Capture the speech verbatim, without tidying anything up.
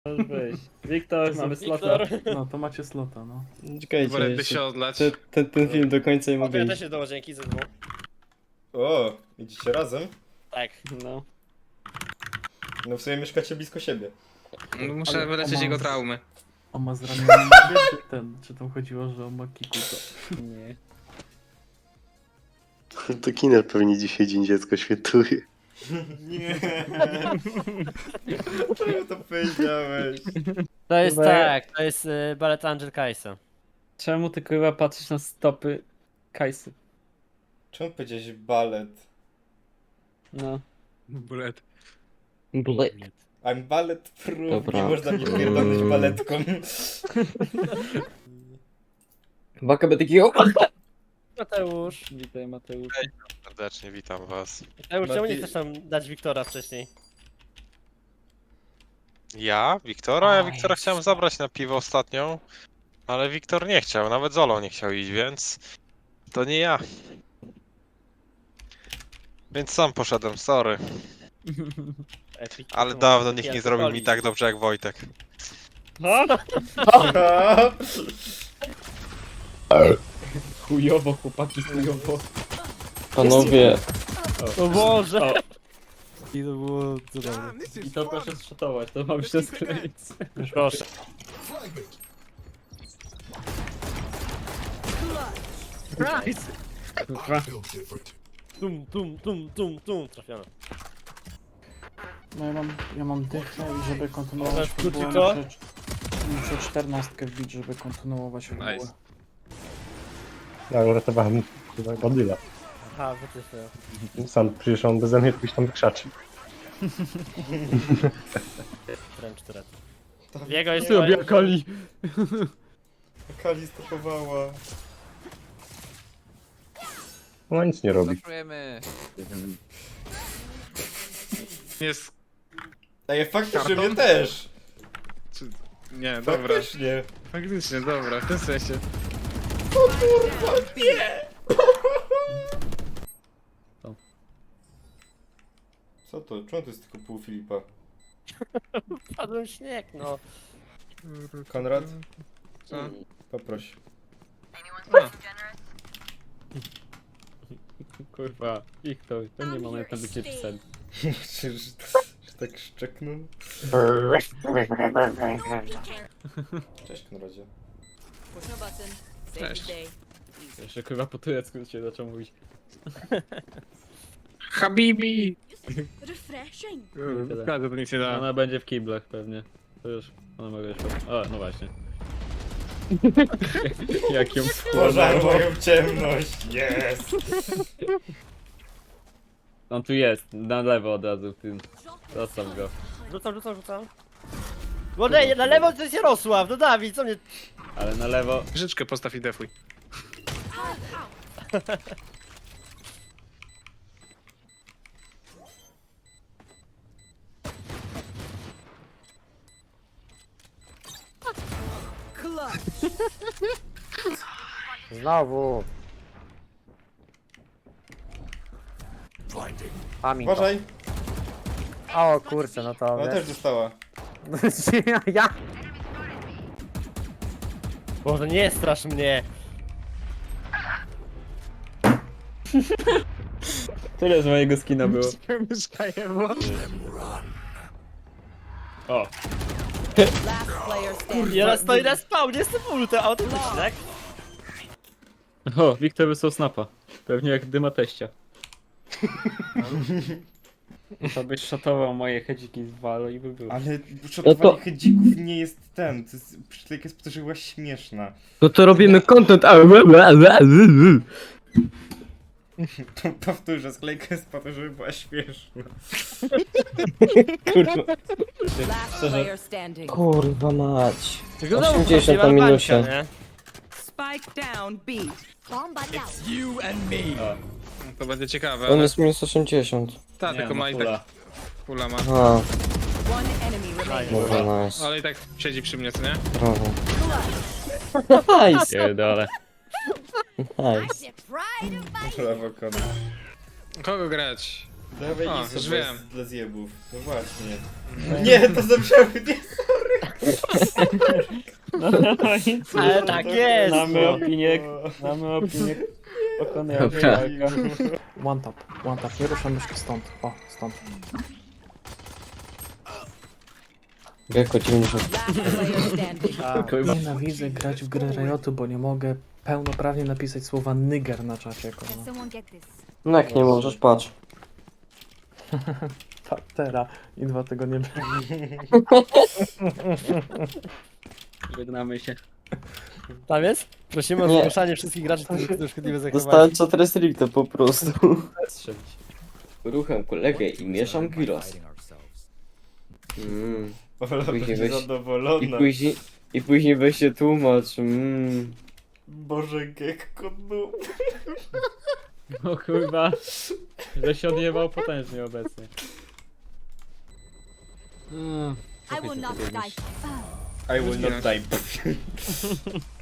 Możesz wyjść. Wiktor, mamy slota. No to macie slota, no. Czekajcie, Wolę by jeszcze się odlać. ten, ten, ten film do końca nie O, to mogę ja iść. też się dołożę, dzięki ze dwóch. O, idziecie razem? Tak. No. No w sumie mieszkacie blisko siebie. No, muszę Ale wyleczyć ona- jego traumy. On ma zranioną nogę, czy ten? Czy tam chodziło, że on ma kikuta? Nie. To Kiner pewnie dzisiaj Dzień Dziecka świętuje. Nie. Czemu to powiedziałeś? To jest Chyba ja- tak, to jest y, balet Angel Kajsa. Czemu ty kurwa patrzysz na stopy Kajsy? Czemu powiedziałeś balet? No. Bullet. Black. I'm ballet proof, Dobra. nie można mnie pierdolnąć baletką. Baka by takiego... Mateusz. Witaj Mateusz. Serdecznie witam was. Mateusz, czemu nie Mati- chcesz nam dać Wiktora wcześniej? Ja? Wiktora? Ja O, Wiktora Jezu. chciałem zabrać na piwo ostatnią, ale Wiktor nie chciał, nawet Zolo nie chciał iść, więc to nie ja. Więc sam poszedłem, sorry. Epic. Ale To dawno może nikt taki nie zrobił mi alkoholik. tak dobrze jak Wojtek. Chujowo chłopaki, chujowo. Panowie, O Boże! O. I to było cudowne. I to proszę zszotować, to ma być to skleić. Proszę. Kurwa. Tum, tum, tum, tum, tum. Trafione. No ja mam, ja mam dychę i żeby kontynuować Możesz fabułę, wrócić to? muszę, muszę czternastkę wbić, żeby kontynuować fabułę. Nice. Ja uratowałem chyba Godzilla. Aha, wytyfy. Sam przecież on beze mnie ktoś tam wykrzaczy. Wręcz cztery. Jego jest Sobie Kali. Kali stopowała. Ona nic nie robi. Jest... Ej, faktycznie Karton? mnie też. Czy... Nie, dobra. Faktycznie. Faktycznie, dobra, w tym sensie. Co to? Czemu to jest tylko pół Filipa? Padłem w śnieg, no. Konrad? Co? Poproś. A, Kurwa, Wiktor, to nie moment na bycie psem. Czy, że, że tak szczeknął? Cześć, Konradzie. Cześć. Jeszcze kurwa po turecku się zaczął mówić. Habibi! Refreshing. Każdy to nic nie da. Ona będzie w kiblach pewnie. To już, ona mogła już... O, no właśnie. Jak ją Pożar wchłonęło. moją ciemność, jest! On tu jest, na lewo od razu, ty. Zostaw go. Rzucam, rzucam, rzucam. Bo nie, na lewo to jest Jarosław, no Dawid, co mnie... Ale na lewo... Życzkę postaw i defuj. Znowu. Pamiętam. Uważaj! O kurczę, no to... Ona też dostała. ja? Boże, nie strasz mnie. Tyle z mojego skina było. Mieszkaję, bo... O, Ja stoi na spawnie, jestem uluty, autentycznie, tak? o, Wiktor wysłał snapa. Pewnie jak dyma teścia. To byś szatował moje hedziki z Valo i by było. Ale szotowanie hedzików nie jest ten. To jest, przytulek jest po to, że była śmieszna. no to robimy content. a- To powtórzę, sklejka jest po to, żeby była śmieszna. Kurwa. Last player standing. Kurwa mać. Wyglądało osiemdziesiąt to na bańka, minusie. nie? Spike down B. Bomb buddy out. To będzie ciekawe, On ale... jest minus osiemdziesiąt. Ta, Nie, tylko no, ma i fula. tak... Pula ma. A, One enemy remaining. dobra, nice. Ale i tak siedzi przy mnie, co nie? Brawo. Nice, Pierdolę. nice. Pride of my Brawo, Konrad. Kogo grać? Dawaj A, Liso, już bo jest wiem. dla zjebów. No właśnie. Nie, to zabrzmiało, nie, No i co? Ale tak jest! Mamy no. opinię, mamy opinię pokonają Dobra. One tap, one tap, nie ruszamy się stąd. O, stąd. Gecko dziewięćdziesiąt. Last player standing. A, Nienawidzę grać w gry Riotu, bo nie mogę pełnoprawnie napisać słowa nigger na czacie, kurwa. Someone get this. No jak nie możesz, patrz. Patera i dwa tygodnie Żegnamy się. tam jest? Prosimy o Nie. zgłaszanie wszystkich graczy, którzy chcą szkodliwe zachowanie. Dostałem co restricte po prostu. Strzelić. Ruchem kolegę i mieszam gyros. Mm. Ola Później będzie weź- I zadowolona. później, i później weź się tłumacz. Mm. Boże, Gekko, no. No kurwa, że się odjebał potężnie obecnie. I will not die. I will not die.